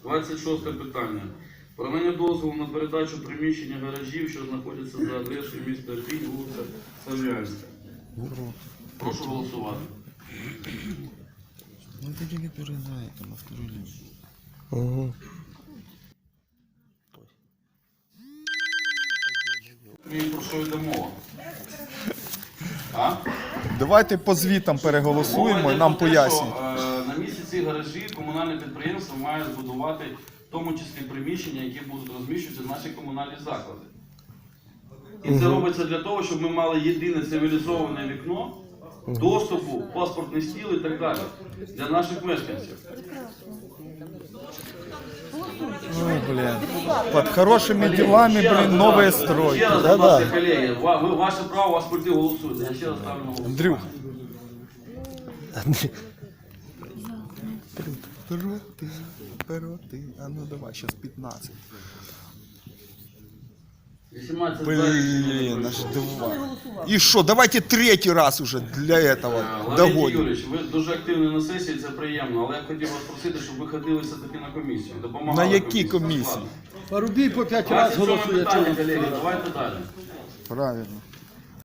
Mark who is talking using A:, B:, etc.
A: 26 питання. Про надання дозволу на передачу приміщення гаражів, що знаходяться за адресою міста Ірпінь, вулиця Слов'янська. Прошу голосувати.
B: Ну это не передает, там на вторую линию.
C: Угу.
A: І про що йде мова? А?
B: Давайте по звітам переголосуємо
A: Мова
B: і
A: йде
B: нам
A: про те,
B: поясніть.
A: що, на місці цих гаражів комунальне підприємство має збудувати в тому числі приміщення, які будуть розміщуватися в наші комунальні заклади. І це робиться для того, щоб ми мали єдине цивілізоване вікно доступу, паспортний стіл і так далі для наших мешканців.
B: Ой, блин. Под хорошими делами, блин, новые стройки.
A: Ще раз,
C: Да-да.
A: будь ласка, колеги, ваше право, вас прийти голосуйте. Я ще раз ставлю на голосування.
B: Андрюх. Проти. А ну давай, сейчас 15.
A: 18
B: Блин, аж 2. И что, давайте третий раз уже для этого
A: Леонід
B: догоним.
A: Юрійович, ви дуже активні на сесії, це приємно, але я б хотів вас просити, щоб ви ходили все-таки на комісію. Допомагали
B: На які комісії?
D: Парубій по 5 разів
A: 27
D: голосує.
A: питання, колеги, давайте далі.
B: Правильно.